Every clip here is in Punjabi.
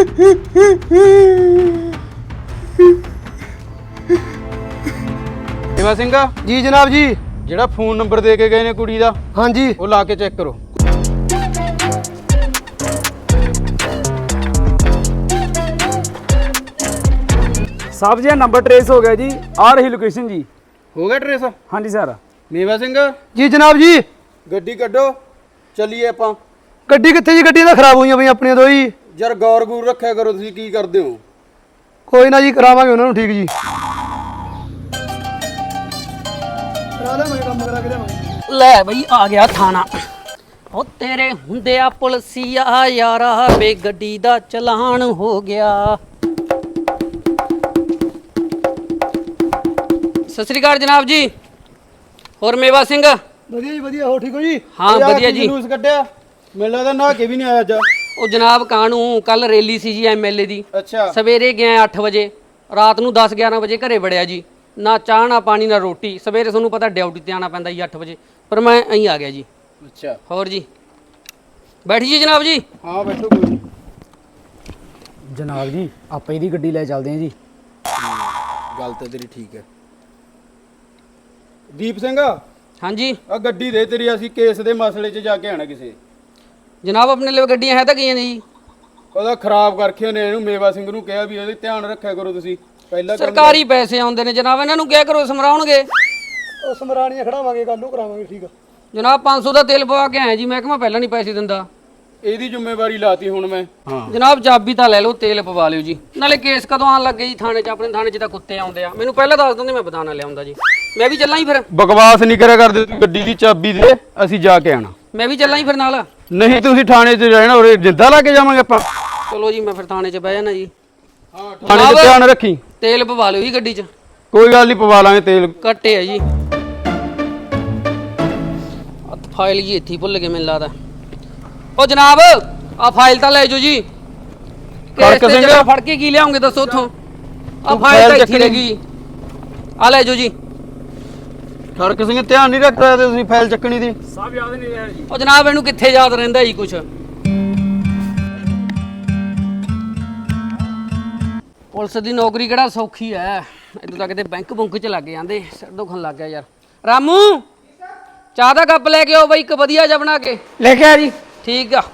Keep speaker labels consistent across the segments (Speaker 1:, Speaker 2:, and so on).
Speaker 1: सेवा सिंह
Speaker 2: जी जनाब जी।
Speaker 1: ਜਿਹੜਾ ਫੋਨ ਨੰਬਰ ਦੇ ਕੇ ਗਏ ਨੇ ਕੁੜੀ ਦਾ
Speaker 2: हाँ जी
Speaker 1: ਉਹ ਲਾ ਕੇ ਚੈੱਕ ਕਰੋ।
Speaker 3: साहब जी नंबर ट्रेस हो गया जी, आ रही लोकेशन जी।
Speaker 1: ਹੋ ਗਿਆ ਟਰੇਸ?
Speaker 3: हाँ जी सर।
Speaker 1: ਮੇਵਾ ਸਿੰਘ
Speaker 2: जी जनाब जी।
Speaker 1: ਗੱਡੀ ਕੱਢੋ ਚੱਲੀਏ ਆਪਾਂ।
Speaker 2: गड्डी कित्थे जी? गड्डियां खराब हुई पई अपनी दो ही।
Speaker 1: ਯਾਰ ਗੌਰ ਗੂਰ ਰੱਖਿਆ ਕਰੋ, ਤੁਸੀਂ ਕੀ ਕਰਦੇ ਹੋ?
Speaker 2: कोई ना जी करावांगे उन्होंने ठीक जी।
Speaker 4: ਲੈ ਬਈ ਆ ਗਿਆ ਥਾਣਾ। ਉਹ ਤੇਰੇ ਹੁੰਦੇ ਆ ਪੁਲਸੀਆ ਯਾਰਾ ਵੇ ਗੱਡੀ ਦਾ ਚਲਾਨ ਹੋ ਗਿਆ। ਸਤਿ ਸ੍ਰੀ ਅਕਾਲ ਜਨਾਬ ਜੀ। ਹੋਰ ਮੇਵਾ ਸਿੰਘ?
Speaker 2: ਵਧੀਆ ਜੀ ਵਧੀਆ। ਹੋ ਠੀਕ ਹੋ ਜੀ?
Speaker 4: ਹਾਂ ਵਧੀਆ ਜੀ।
Speaker 1: ਜਲੂਸ ਕੱਢਿਆ ਮੈਨੂੰ ਲੱਗਦਾ ਨਹਾ ਕੇ ਵੀ ਨਹੀਂ ਆਇਆ ਅੱਜ।
Speaker 4: ਉਹ ਜਨਾਬ ਕਾਹਨੂੰ, ਕੱਲ ਰੈਲੀ ਸੀ ਜੀ ਐਮਐਲਏ ਦੀ।
Speaker 1: ਅੱਛਾ
Speaker 4: ਸਵੇਰੇ ਗਿਆ 8 ਵਜੇ, ਰਾਤ ਨੂੰ 10-11 ਵਜੇ ਘਰੇ ਵੜਿਆ ਜੀ। ਨਾ ਚਾਹ ਨਾ ਪਾਣੀ ਨਾ ਰੋਟੀ। ਸਵੇਰੇ ਤੁਹਾਨੂੰ ਪਤਾ ਡਿਊਟੀ ਤੇ ਆਣਾ ਪੈਂਦਾ ਜੀ 8 ਵਜੇ, ਪਰ ਮੈਂ ਅਹੀਂ ਆ ਗਿਆ ਜੀ।
Speaker 1: ਅੱਛਾ
Speaker 4: ਹੋਰ ਜੀ ਬੈਠ ਜੀ ਜਨਾਬ ਜੀ।
Speaker 1: ਹਾਂ ਬੈਠੋ ਕੋਈ ਨਹੀਂ।
Speaker 3: जनाब जी आप ਇਹਦੀ ਗੱਡੀ ਲੈ ਚੱਲਦੇ ਹਾਂ ਜੀ।
Speaker 1: ਗੱਲ ਤਾਂ ਤੇਰੀ ਠੀਕ ਹੈ। ਦੀਪ ਸਿੰਘ
Speaker 4: ਹਾਂਜੀ
Speaker 1: ਆ ਗੱਡੀ ਦੇ ਤੇਰੀ, ਅਸੀਂ ਕੇਸ ਦੇ ਮਸਲੇ 'ਚ ਜਾ ਕੇ ਆਣਾ ਕਿਸੇ।
Speaker 4: ਜਨਾਬ ਆਪਣੇ ਲਈ ਗੱਡੀਆਂ ਹੈ ਤਾਂ ਗਈਆਂ ਨੇ ਜੀ।
Speaker 1: ਉਹਦਾ ਖਰਾਬ ਕਰਕੇ ਨੇ ਇਹਨੂੰ। ਮੇਵਾ ਸਿੰਘ ਨੂੰ ਕਿਹਾ ਵੀ ਇਹਦੇ ਧਿਆਨ ਰੱਖਿਆ ਕਰੋ ਤੁਸੀਂ। ਪਹਿਲਾਂ
Speaker 4: ਸਰਕਾਰੀ ਪੈਸੇ ਆਉਂਦੇ ਨੇ ਜਨਾਬ, ਇਹਨਾਂ ਨੂੰ ਕਿਹਾ ਕਰੋ ਸਮਰਾਉਣਗੇ।
Speaker 2: ਉਹ ਸਮਰਾਣੀਆਂ ਖੜਾਵਾਂਗੇ, ਕੱਲ ਨੂੰ ਕਰਾਵਾਂਗੇ ਠੀਕ ਆ
Speaker 4: ਜਨਾਬ 500 ਦਾ ਤੇਲ ਪਵਾ ਕੇ ਆਇਆ ਜੀ, ਮੈਂ ਕਿਹਾ ਮੈਂ ਪਹਿਲਾਂ ਨਹੀਂ ਪੈਸੇ ਦਿੰਦਾ।
Speaker 1: ਇਹਦੀ ਜ਼ਿੰਮੇਵਾਰੀ ਲਾਤੀ ਹੁਣ ਮੈਂ। ਹਾਂ
Speaker 4: ਜਨਾਬ ਚਾਬੀ ਤਾਂ ਲੈ ਲਓ, ਤੇਲ ਪਵਾ ਲਿਓ ਜੀ। ਨਾਲੇ ਕੇਸ ਕਦੋਂ ਆਣ ਲੱਗੇ ਜੀ ਥਾਣੇ 'ਚ? ਆਪਣੇ ਥਾਣੇ 'ਚ ਤਾਂ ਕੁੱਤੇ ਆਉਂਦੇ ਆ। ਮੈਨੂੰ ਪਹਿਲਾਂ ਦੱਸ ਦਿੰਦੇ, ਮੈਂ ਬਦਾਨਾ ਲਿਆਉਂਦਾ ਜੀ। ਮੈਂ ਵੀ ਚੱਲਾਂ ਹੀ ਫਿਰ।
Speaker 1: ਬਕਵਾਸ ਨਹੀਂ ਕਰਿਆ ਕਰਦੇ ਤੂੰ। ਗੱਡੀ ਦੀ ਚਾਬੀ ਦੇ, ਅਸੀਂ ਜਾ ਕੇ ਆਣਾ।
Speaker 4: ਮੈਂ ਵੀ ਚੱਲਾਂ ਹੀ ਫਿਰ ਨਾਲ।
Speaker 1: ਨਹੀਂ ਤੁਸੀਂ ਥਾਣੇ 'ਚ ਰਹਿਣਾ, ਉਰੇ ਜਿੰਦਾ ਲਾ ਕੇ ਜਾਵਾਂਗੇ ਆਪਾਂ।
Speaker 4: ਚਲੋ ਜੀ ਮੈਂ ਫਿਰ ਥਾਣੇ 'ਚ ਬਹਿ ਜਾਣਾ ਜੀ।
Speaker 1: ਹਾਂ ਥਾਣੇ 'ਚ ਧਿਆਨ ਰੱਖੀ।
Speaker 4: ਤੇਲ ਪਵਾ ਲਿਓ ਜੀ ਗੱਡੀ 'ਚ।
Speaker 1: ਕੋਈ ਗੱਲ ਨਹੀਂ ਪਵਾ ਲਾਂਗੇ ਤੇਲ।
Speaker 4: ਕੱਟੇ ਆ ਜੀ। ਫਾਈਲ ਜੀ ਇੱਥੇ ਹੀ ਭੁੱਲ ਗਏ ਮੈਨੂੰ ਲੱਗਦਾ। ਉਹ ਜਨਾਬ ਆ ਫਾਈਲ ਤਾਂ ਲੈ ਜਾਓ ਜੀ।
Speaker 1: ਖੜਕ ਸਿੰਘ
Speaker 4: ਫੜ ਕੇ ਕੀ ਲਿਆਉਂਗੇ ਦੱਸੋ ਉੱਥੋਂ? ਆ
Speaker 1: ਤੂੰ
Speaker 4: ਫਾਈਲ ਤਾਂ
Speaker 1: ਫਾਈਲ
Speaker 4: ਇੱਥੇ ਰਹਿ ਗਈ। ਆ ਲੈ ਜਾਓ ਜੀ।
Speaker 1: ਖੜਕ ਸਿੰਘ ਧਿਆਨ ਨਹੀਂ ਰੱਖਦਾ ਤੇ ਤੁਸੀਂ ਫਾਈਲ ਚੱਕਣੀ ਦੀ।
Speaker 3: साहब याद नहीं रहा जी।
Speaker 4: ਉਹ ਜਨਾਬ ਇਹਨੂੰ ਕਿੱਥੇ ਯਾਦ ਰਹਿੰਦਾ ਜੀ ਕੁਛ। ਪੁਲਿਸ ਦੀ ਨੌਕਰੀ ਕਿਹੜਾ ਸੌਖੀ ਐ? ਇਦੋਂ ਤਾਂ ਕਿਤੇ ਬੈਂਕ ਬੁੰਕ ਚ ਲੱਗ ਜਾਂਦੇ। ਸਿਰ ਦੁਖਣ ਲੱਗ ਗਿਆ ਯਾਰ। ਰਾਮੂ ਚਾਹ ਦਾ ਕੱਪ ਲੈ ਕੇ ਆਓ ਬਈ, ਇੱਕ ਵਧੀਆ ਜਿਹਾ ਬਣਾ ਕੇ।
Speaker 3: ਲੈ ਕੇ ਆ ਜੀ।
Speaker 4: ਠੀਕ ਆ।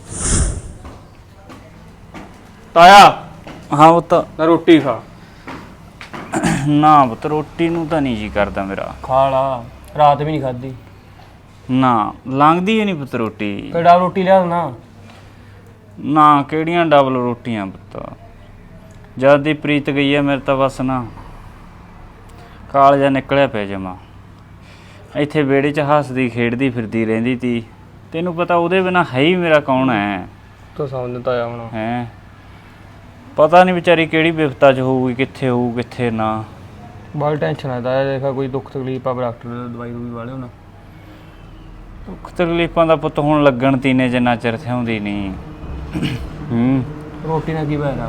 Speaker 1: ਤਾਇਆ
Speaker 5: हाँ वो तो
Speaker 1: ਨਾ ਰੋਟੀ ਖਾ।
Speaker 5: ना वो तो रोटी नू तो नहीं जी करता मेरा।
Speaker 3: खा ला, रात भी नहीं खादी।
Speaker 5: ना लंघदी ही नहीं पुत रोटी।
Speaker 3: केड़ा रोटी लिया ना?
Speaker 5: ना केड़ियां डबल रोटियां पुत। जद दी प्रीत गई है मेरे तो बस ना कालजा निकलिया पे जमा। ਇੱਥੇ ਵਿਹੜੇ 'ਚ ਹੱਸਦੀ ਖੇਡਦੀ ਫਿਰਦੀ ਰਹਿੰਦੀ ਤੀ। ਤੈਨੂੰ ਪਤਾ ਉਹਦੇ ਬਿਨਾ ਹੈ ਹੀ ਮੇਰਾ ਕੌਣ ਹੈ?
Speaker 3: तो समझ तो आया होना।
Speaker 5: ਹੈ ਪਤਾ ਨਹੀਂ ਵਿਚਾਰੀ ਕਿਹੜੀ ਵਿਪਤਾ 'ਚ ਹੋਊਗੀ, ਕਿੱਥੇ ਹੋਊ ਕਿੱਥੇ ਨਾ।
Speaker 3: बड़ी टेंशन है ताया, देखा कोई दुख तकलीफ आ डॉक्टर दवाई दूई वाले होना।
Speaker 5: ਦੁੱਖ ਤਕਲੀਫਾਂ ਦਾ ਪੁੱਤ ਹੁਣ ਲੱਗਣ ਤੀਨੇ ਜਿੰਨਾ ਚਿਰ ਥਿਆਉਂਦੀ ਨਹੀਂ।
Speaker 3: रोटी ना की बहरा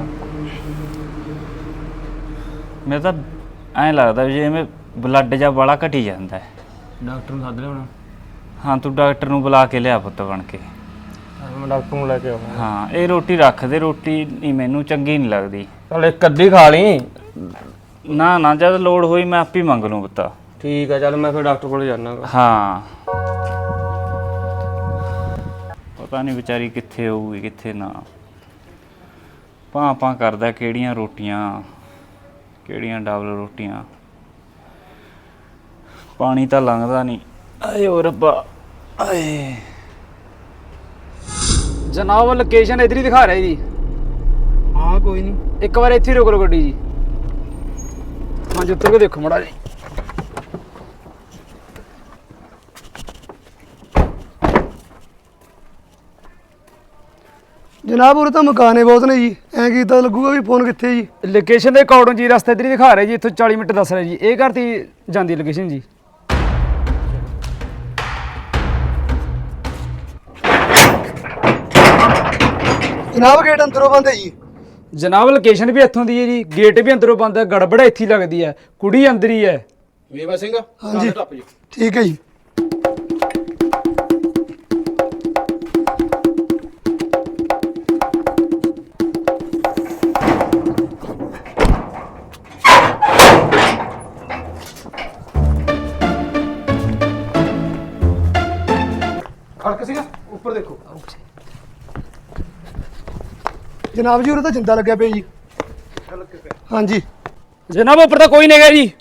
Speaker 5: ਮੈਨੂੰ ਤਾਂ ਐਂ ਲੱਗਦਾ ਵੀ ਜਿਵੇਂ ਬਲੱਡ ਜਾਂ ਵਾਲਾ ਘਟੀ ਜਾਂਦਾ ਹੈ।
Speaker 3: डॉक्टर ने सद लिया होना।
Speaker 5: ਹਾਂ ਤੂੰ ਡਾਕਟਰ ਨੂੰ ਬੁਲਾ ਕੇ ਲਿਆ ਪੁੱਤ ਬਣ ਕੇ।
Speaker 3: मैं डॉक्टर को लेके आऊंगा।
Speaker 5: ਹਾਂ ਇਹ ਰੋਟੀ ਰੱਖ ਦੇ, ਰੋਟੀ ਨਹੀਂ ਮੈਨੂੰ ਚੰਗੀ ਨਹੀਂ ਲੱਗਦੀ।
Speaker 3: चल एक कद्दी खा ली।
Speaker 5: ਨਾ ਨਾ ਜਦ ਲੋੜ ਹੋਈ ਮੈਂ ਆਪੇ ਮੰਗ ਲੂੰ ਪੁੱਤ।
Speaker 3: ठीक है चल मैं फिर डॉक्टर को जाना।
Speaker 5: ਹਾਂ ਪਤਾ ਨਹੀਂ ਵਿਚਾਰੀ ਕਿੱਥੇ ਹੋਊਗੀ ਕਿੱਥੇ ਨਾ। ਭਾਂ ਕਰਦਾ ਕਿਹੜੀਆਂ ਰੋਟੀਆਂ, ਕਿਹੜੀਆਂ ਡਬਲ ਰੋਟੀਆਂ। ਪਾਣੀ ਤਾਂ ਲੰਘਦਾ ਨਹੀਂ। ਆਏ ਓ ਰੱਬਾ ਆਏ।
Speaker 3: जनाब लोकेशन इधर ही दिखा रहा है जी।
Speaker 1: ਹਾਂ ਕੋਈ ਨਹੀਂ।
Speaker 3: एक बार इत्थे रोक लो गड्डी जी। हाँ जी उतर के देखो मड़ा जी।
Speaker 2: जनाब उरे तो मकाने बहुत ने जी। ऐ कीता लगूगा भी फोन कित्थे जी?
Speaker 3: लोकेशन के अकॉर्डिंग जी रास्ता इधर ही दिखा रहा है जी। इत्थों 40 मिनट दस रहा है जी। ये घर ती जांदी लोकेशन जी।
Speaker 2: जनाब गेट अंदरों बंद है जी।
Speaker 3: जनाब लोकेशन भी इत्थों दी है जी, गेट भी अंदरों बंद है, गड़बड़ इत्थे ही लगदी है, कुड़ी अंदर ही है।
Speaker 1: ਮੇਵਾ ਸਿੰਘ
Speaker 2: हाँ जी
Speaker 1: ਟੱਪ ਜੀ।
Speaker 2: ठीक है जी। ਭਗਤ ਸਿੰਘ ਉੱਪਰ ਦੇਖੋ। ਜਨਾਬ ਜੀ ਉਰੇ ਤਾਂ ਜਿੰਦਾ ਲੱਗਿਆ ਪਿਆ ਜੀ। ਹਾਂਜੀ
Speaker 3: ਜਨਾਬ ਉੱਪਰ ਤਾਂ ਕੋਈ ਨਹੀਂ ਹੈਗਾ ਜੀ।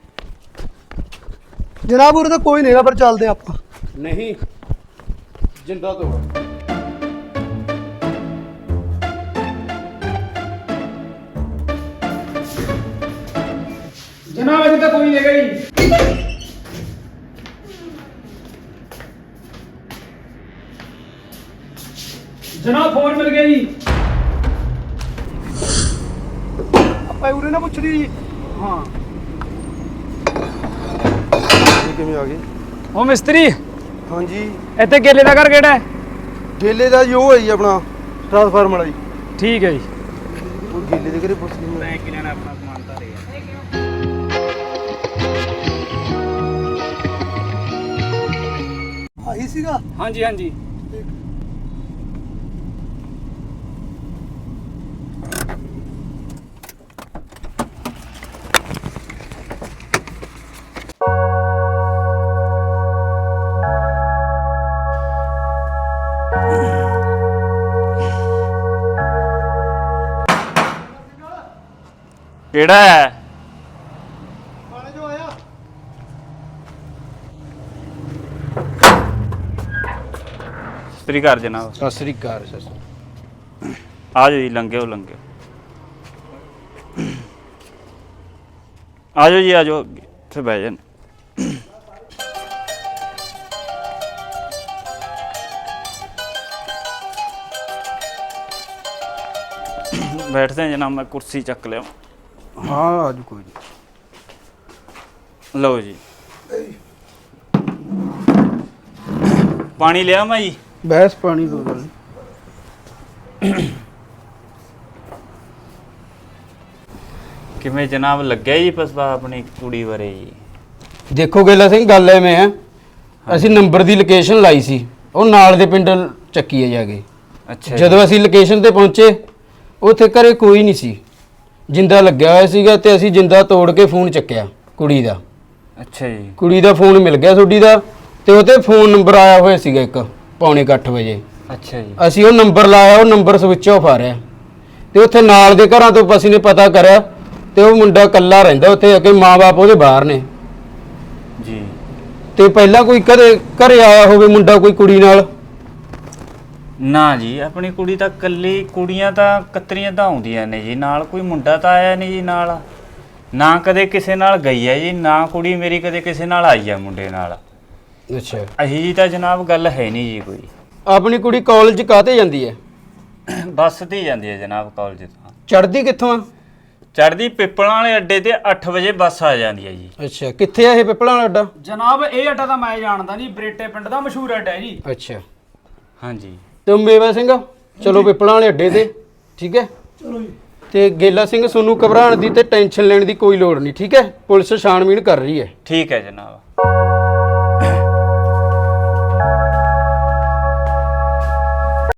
Speaker 2: ਜਨਾਬ ਉਰੇ ਤਾਂ ਕੋਈ ਨਹੀਂ ਹੈਗਾ, ਪਰ ਚੱਲਦੇ ਆਪਾਂ।
Speaker 1: ਨਹੀਂ ਜਿੰਦਾ ਤੋਂ
Speaker 3: ਜਨਾਬ ਇੱਥੇ ਤਾਂ ਕੋਈ ਨਹੀਂ ਹੈਗਾ ਜੀ। ਜਨਾਬ ਫੋਨ ਮਿਲ ਗਿਆ ਜੀ।
Speaker 2: ਆਪਾਂ ਉਰੇ ਨਾ ਪੁੱਛਦੀ ਜੀ।
Speaker 3: ਹਾਂ
Speaker 2: ਇਹ ਕਿਵੇਂ ਆ ਗਏ?
Speaker 3: ਉਹ ਮਿਸਤਰੀ
Speaker 2: ਹਾਂਜੀ
Speaker 3: ਇੱਥੇ ਗੇਲੇ ਦਾ ਘਰ ਕਿਹੜਾ ਹੈ?
Speaker 2: ਗੇਲੇ ਦਾ ਜੀ ਉਹ ਹੈ ਜੀ ਆਪਣਾ ਟ੍ਰਾਂਸਫਾਰਮਰ ਵਾਲਾ ਜੀ।
Speaker 3: ਠੀਕ ਹੈ ਜੀ।
Speaker 2: ਉਹ ਗੇਲੇ ਦੇ ਘਰੇ ਪੁੱਛ ਲਈ ਮੈਂ।
Speaker 5: ਕਿਹਨਾਂ ਨੇ ਆਪਣਾ ਸਮਾਨ ਧਾਰਿਆ
Speaker 2: ਆਹੀ ਸੀਗਾ।
Speaker 3: ਹਾਂਜੀ ਹਾਂਜੀ।
Speaker 5: ਕਿਹੜਾ ਹੈ?
Speaker 2: ਪਾਣੀ ਜੋ ਆਇਆ।
Speaker 5: ਸਤਿ ਸ਼੍ਰੀ ਅਕਾਲ ਜਨਾਬ।
Speaker 1: ਸਤਿ ਸ੍ਰੀ ਅਕਾਲ ਸਰ।
Speaker 5: ਆ ਜਾਓ ਜੀ, ਲੰਘਿਓ ਲੰਘਿਓ। ਆ ਜਾਓ ਜੀ, ਆ ਜਾਓ ਇੱਥੇ ਬਹਿ ਜਾਣ। ਬੈਠਦੇ ਜਨਾਬ, ਮੈਂ ਕੁਰਸੀ ਚੱਕ ਲਿਆ।
Speaker 1: ਹਾਂ ਅੱਜ ਕੋਈ ਨਹੀਂ।
Speaker 5: ਲਓ ਜੀ, ਪਾਣੀ ਲਿਆ ਮੈਂ ਜੀ।
Speaker 1: ਬਹਿਸ ਪਾਣੀ ਦੋ ਗੱਲ।
Speaker 5: ਕਿਵੇਂ ਜਨਾਬ ਲੱਗਿਆ ਜੀ ਪਸਵਾ ਆਪਣੀ ਕੁੜੀ ਬਾਰੇ ਜੀ?
Speaker 1: ਦੇਖੋ ਗੇਲਾ ਸਿੰਘ, ਗੱਲ ਐਵੇਂ ਆ, ਅਸੀਂ ਨੰਬਰ ਦੀ ਲੋਕੇਸ਼ਨ ਲਾਈ ਸੀ, ਉਹ ਨਾਲ ਦੇ ਪਿੰਡ ਚੱਕੀ ਹੈ ਜਾ ਕੇ।
Speaker 5: ਅੱਛਾ
Speaker 1: ਜਦੋਂ ਅਸੀਂ ਲੋਕੇਸ਼ਨ ਤੇ ਪਹੁੰਚੇ, ਉੱਥੇ ਘਰੇ ਕੋਈ ਨਹੀਂ ਸੀ, ਜਿੰਦਾ ਲੱਗਿਆ ਹੋਇਆ ਸੀਗਾ, ਤੇ ਅਸੀਂ ਜਿੰਦਾ ਤੋੜ ਕੇ ਫੋਨ ਚੱਕਿਆ ਕੁੜੀ ਦਾ।
Speaker 5: ਅੱਛਾ ਜੀ।
Speaker 1: ਕੁੜੀ ਦਾ ਫੋਨ ਮਿਲ ਗਿਆ ਤੁਹਾਡੀ ਦਾ, ਤੇ ਉਹਤੇ ਫੋਨ ਨੰਬਰ ਆਇਆ ਹੋਇਆ ਸੀਗਾ ਇੱਕ 7:45 ਵਜੇ।
Speaker 5: ਅੱਛਾ ਜੀ।
Speaker 1: ਅਸੀਂ ਉਹ ਨੰਬਰ ਲਾਇਆ, ਉਹ ਨੰਬਰ ਸਵਿਚ ਆਫ ਆ ਰਿਹਾ, ਤੇ ਉੱਥੇ ਨਾਲ ਦੇ ਘਰਾਂ ਤੋਂ ਅਸੀਂ ਨੇ ਪਤਾ ਕਰਿਆ, ਤੇ ਉਹ ਮੁੰਡਾ ਇਕੱਲਾ ਰਹਿੰਦਾ ਉੱਥੇ, ਅੱਗੇ ਮਾਂ-ਬਾਪ ਉਹਦੇ ਬਾਹਰ ਨੇ।
Speaker 5: ਜੀ।
Speaker 1: ਤੇ ਪਹਿਲਾਂ ਕੋਈ ਕਦੇ ਘਰੇ ਆਇਆ ਹੋਵੇ ਮੁੰਡਾ ਕੋਈ ਕੁੜੀ ਨਾਲ?
Speaker 5: ਨਾ ਜੀ, ਆਪਣੀ ਕੁੜੀ ਤਾਂ ਕੱਲੀ, ਕੁੜੀਆਂ ਤਾਂ ਕਤਰੀਆਂ ਤਾਂ ਆਉਂਦੀਆਂ ਨੇ ਜੀ ਨਾਲ, ਕੋਈ ਮੁੰਡਾ ਤਾਂ ਆਇਆ ਨਹੀਂ ਜੀ ਨਾਲ। ਨਾ ਕਦੇ ਕਿਸੇ ਨਾਲ ਗਈ ਹੈ ਜੀ, ਨਾ ਕੁੜੀ ਮੇਰੀ ਕਦੇ ਕਿਸੇ ਨਾਲ ਆਈ ਹੈ ਮੁੰਡੇ ਨਾਲ।
Speaker 1: ਅੱਛਾ।
Speaker 5: ਅਹੀ ਜੀ ਤਾਂ ਜਨਾਬ ਗੱਲ ਹੈ ਨਹੀਂ ਜੀ ਕੋਈ।
Speaker 1: ਆਪਣੀ ਕੁੜੀ ਕਾਲਜ ਕਾਹਤੇ ਜਾਂਦੀ ਹੈ?
Speaker 5: ਬੱਸ ਤੇ ਹੀ ਜਾਂਦੀ ਹੈ ਜਨਾਬ ਕਾਲਜ ਤੋਂ।
Speaker 1: ਚੜ੍ਹਦੀ ਕਿੱਥੋਂ ਆ?
Speaker 5: ਚੜ੍ਹਦੀ ਪਿੱਪਲਾਂ ਵਾਲੇ ਅੱਡੇ ਤੇ 8 ਵਜੇ ਬੱਸ ਆ ਜਾਂਦੀ ਹੈ ਜੀ।
Speaker 1: ਅੱਛਾ, ਕਿੱਥੇ ਆ ਇਹ ਪਿੱਪਲਾਂ ਵਾਲਾ ਅੱਡਾ?
Speaker 3: ਜਨਾਬ ਇਹ ਅੱਡਾ ਤਾਂ ਮੈਂ ਜਾਣਦਾ ਜੀ, ਬਰੇਟੇ ਪਿੰਡ ਦਾ ਮਸ਼ਹੂਰ ਅੱਡਾ ਹੈ ਜੀ।
Speaker 1: ਅੱਛਾ,
Speaker 5: ਹਾਂਜੀ।
Speaker 1: ਤੇ ਮੇਵਾ ਸਿੰਘ ਚਲੋ ਪਿੱਪਲਾਂ ਵਾਲੇ ਅੱਡੇ ਤੇ, ਠੀਕ ਹੈ?
Speaker 2: ਚਲੋ ਜੀ।
Speaker 1: ਤੇ ਗੇਲਾ ਸਿੰਘ, ਤੁਹਾਨੂੰ ਘਬਰਾਉਣ ਦੀ ਤੇ ਟੈਨਸ਼ਨ ਲੈਣ ਦੀ ਕੋਈ ਲੋੜ ਨਹੀਂ, ਠੀਕ ਹੈ? ਪੁਲਿਸ ਛਾਣਬੀਣ ਕਰ ਰਹੀ ਹੈ।
Speaker 5: ਠੀਕ ਹੈ ਜਨਾਬ।